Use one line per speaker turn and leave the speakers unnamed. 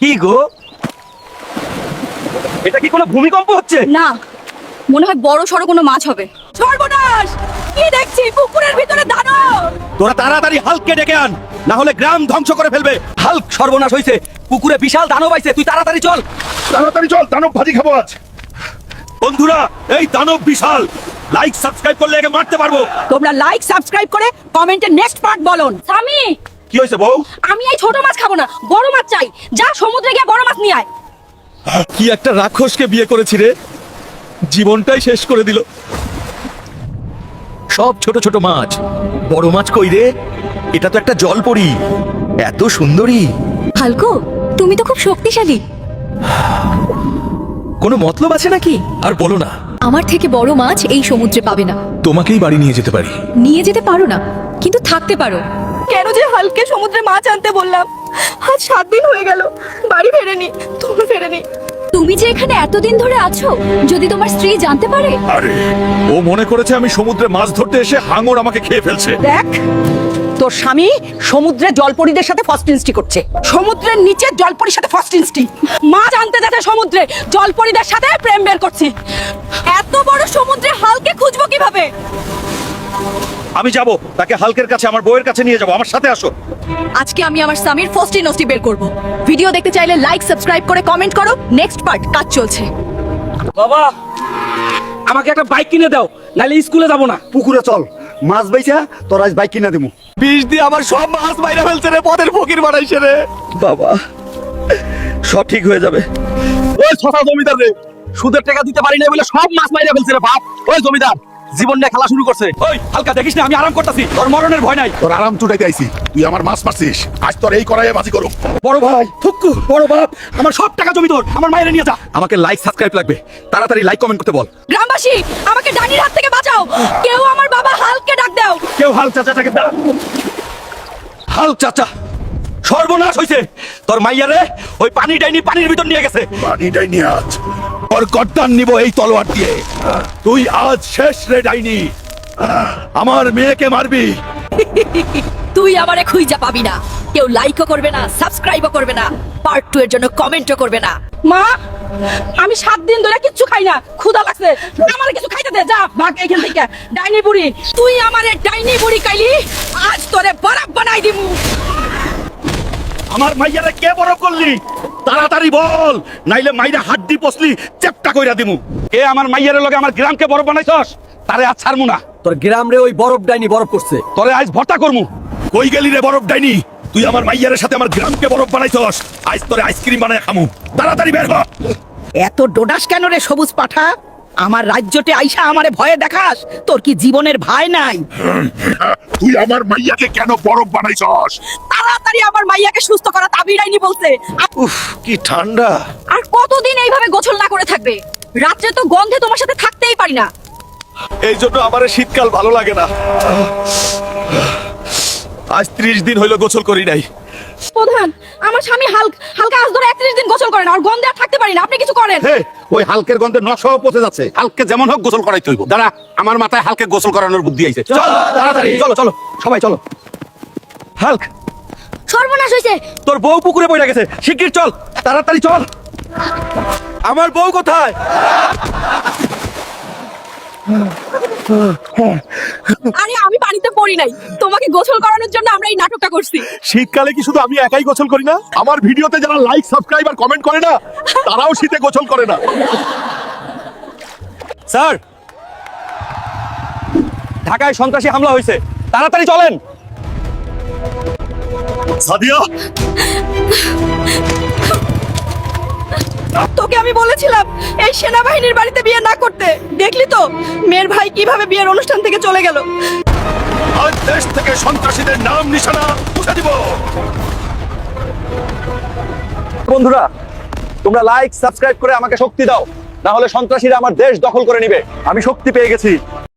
কি গো, এটা কি কোনো ভূমিকম্প হচ্ছে?
না, মনে হয় বড় সড়ো কোনো মাছ হবে। সর্বনাশ! কি দেখছি পুকুরের ভিতরে দানব!
তোরা তাড়াতাড়ি হাল্ককে ডেকে আন, না হলে গ্রাম ধ্বংস করে ফেলবে। হাল্ক সর্বনাশ হইছে, পুকুরে বিশাল দানব আইছে, তুই তাড়াতাড়ি চল।
তাড়াতাড়ি চল, দানব ভাজি খাবো আজ।
বন্ধুরা, এই দানব বিশাল, লাইক সাবস্ক্রাইব করলে একে মারতে পারবো।
তোমরা লাইক সাবস্ক্রাইব করে কমেন্টে নেক্সট পার্ট বলুন। স্বামী,
কি হয়েছে বউ?
আমি এই ছোট মাছ খাবো না, বড় মাছ চাই। যা সমুদ্রে গিয়ে বড় মাছ নিয়ে আয়।
কি একটা রাক্ষসকে বিয়ে করেছি রে, জীবনটাই শেষ করে দিল। সব ছোট ছোট মাছ, বড় মাছ কই রে? এটা তো একটা জলপরি, এত সুন্দরী।
হালকো, তুমি তো খুব শক্তিশালী।
কোনো মতলব আছে নাকি? আর বলো না।
আমার থেকে বড় মাছ এই সমুদ্রে পাবে না।
তোমাকেই বাড়ি নিয়ে যেতে পারি।
নিয়ে যেতে পারো না, কিন্তু থাকতে পারো। কেন যে হালকে সমুদ্রে মাছ আনতে বললাম? আজ 7 দিন হয়ে গেল, বাড়ি ফেরেনি, তুমি ফেরেনি। তুমি যে এখানে এতদিন ধরে আছো, যদি তোমার স্ত্রী জানতে পারে?
আরে, ও মনে করেছে আমি সমুদ্রে মাছ ধরতে এসে হাঙর আমাকে খেয়ে ফেলছে।
দেখ, তোর স্বামী সমুদ্রে জলপরীদের সাথে ফার্স্ট ইনস্টি করছে। সমুদ্রের নিচে জলপরীর সাথে ফার্স্ট ইনস্টি।
মাছ আনতে যাচ্ছে সমুদ্রে, জলপরীদের সাথে প্রেম বের করছি। এত বড় সমুদ্রে হালকে খুঁজবো কিভাবে?
আমি যাব, তাকে হাল্কের কাছে, আমার বউয়ের কাছে নিয়ে যাব। আমার সাথে আসো।
আজকে আমি আমার স্বামীর ফার্স্ট ইনস্টি বের করব। ভিডিও দেখতে চাইলে লাইক সাবস্ক্রাইব করে কমেন্ট করো। নেক্সট পার্ট কাজ চলছে।
বাবা, আমাকে একটা বাইক কিনে দাও, নাহলে স্কুলে যাব না।
পুকুরে চল, মাছ বাইছা তোর আজ বাইক কিনা দেবো।
বিষ দিয়ে আমার সব মাছ বাইরে ফেলছে রে, পথের ফকির বানাইছে রে। বাবা, সব ঠিক হয়ে যাবে।
ওই ছটা জমিদার রে, সুদের টাকা দিতে পারি না বলে সব মাছ মাইরা ফেলছে রে বাপ। ওই জমিদার জীবন নিয়ে খেলা শুরু করছে।
ওই হালকা, দেখিস না আমি আরাম করতেছি, তোর মরণের ভয় নাই।
তোর আরাম চুটাইতে আইছি, তুই আমার মাছ মারছিস, আজ তোর এই করাই বাজি করো।
বড় ভাই থুক্কু, বড় বাপ, আমার সব টাকা জমি তোর, আমার মায়ের নিয়ে যা। আমাকে লাইক সাবস্ক্রাইব লাগবে, তাড়াতাড়ি লাইক কমেন্ট করতে বল।
গ্রামবাসী, আমাকে ডাইনির হাত থেকে বাঁচাও। কেউ আমার বাবা হালকে ডাক দাও।
কেউ হাল চাচাটাকে দা। হাল চাচা, সর্বনাশ হইছে। তোর মাইয়ারে ওই পানি ডাইনি পানির ভিতর নিয়ে গেছে।
পানিটাই নিয়ে আজ ওর গর্দান নিব এই তলোয়ার দিয়ে। তুই আজ শেষ রে ডাইনি, আমার মেয়েকে মারবি।
তুই আমারে খুঁজা পাবি না। কেউ লাইকও করবে না, সাবস্ক্রাইবও করবে না, পার্ট 2 এর জন্য কমেন্টও করবে না।
মা, আমি 7 দিন ধরে কিচ্ছু খাই না, ক্ষুধা লাগছে। আমার কিছু খাইতে দে, যা ভাগ এখান থেকে। ডাইনি বুড়ি,
তুই আমারে ডাইনি বুড়ি কাইলি, আজ তোরে বরফ বানাই দিমু।
আমার মাইয়ারে কে বড় করলি? তাড়াতাড়ি বল, নাইলে মাইরা হাড্ডি পসলি চেপটা কইরা দিমু।
কে আমার মাইয়ারের লগে আমার গ্রামকে বরফ বানাইছস? তারে আজ ছাড়মু না।
তোর গ্রাম রে ওই বরফ ডাইনি বরফ করছে।
তোরে আজ ভর্তা করমু।
কই গেলি রে বরফ ডাইনি? তুই আমার মাইয়ারের সাথে আমার গ্রামকে বরফ বানাইছস, আজ তোরে আইসক্রিম বানায় খামু। তাড়াতাড়ি বের হ।
এত ডোডাস কেন রে সবুজ পাঠা? আমার রাজ্যতে আইসা আমারে ভয়ে দেখাস? তোর কি জীবনের ভয় নাই?
তুই আমার মাইয়াকে কেন বরফ বানাইছস?
তাড়াতাড়ি আমার মাইয়াকে সুস্থ করা তাবির ডাইনি বলছে।
উফ, কি ঠান্ডা।
আর কতদিন এইভাবে গোসল না করে থাকবে? রাত্রে তো গন্ধে তোমার সাথে থাকতেই পারি না।
এই জন্য আমার শীতকাল ভালো লাগে না। আজ 30 দিন হইলো গোসল করি নাই।
প্রধান, আমার স্বামী হালকা আজ ধরে 31 দিন গোসল করে না, আর গন্ধে আর থাকতে পারি না। আপনি কিছু করেন।
হে, ওই হালকের গন্ধে নশও পচে যাচ্ছে। হালকে যেমন হোক গোসল করাইতে হইব। দাঁড়া, আমার মাথায় হালকে গোসল করানোর বুদ্ধি আইছে। চল তাড়াতাড়ি।
চলো চলো, সবাই চলো। হাল্ক,
সর্বনাশ হইছে।
তোর বউ পুকুরে পড়ে গেছে, শিগগির চল, তাড়াতাড়ি চল। আমার বউ কোথায়?
আরে আমি পানিতে পড়ি নাই, তোমাকে গোসল করানোর জন্য আমরা এই নাটকটা করছি।
শীতকালে কি শুধু আমি একাই গোসল করি না? আমার ভিডিওতে যারা লাইক সাবস্ক্রাইব আর কমেন্ট করে না, তারাও শীতে গোসল করে না।
স্যার, ঢাকায় সন্ত্রাসী হামলা হয়েছে, তাড়াতাড়ি চলেন।
সাদিয়া,
তোকে আমি বলেছিলাম এই সেনাবাহিনীর বাড়িতে বিয়ে না করতে। দেখলি তো মেয়ের ভাই কিভাবে বিয়ের অনুষ্ঠান থেকে চলে গেল।
আজ দেশ থেকে সন্ত্রাসীদের নাম নিশানা মুছে দিব।
বন্ধুরা, তোমরা লাইক সাবস্ক্রাইব করে আমাকে শক্তি দাও, না হলে সন্ত্রাসীরা আমার দেশ দখল করে নিবে। আমি শক্তি পেয়ে গেছি।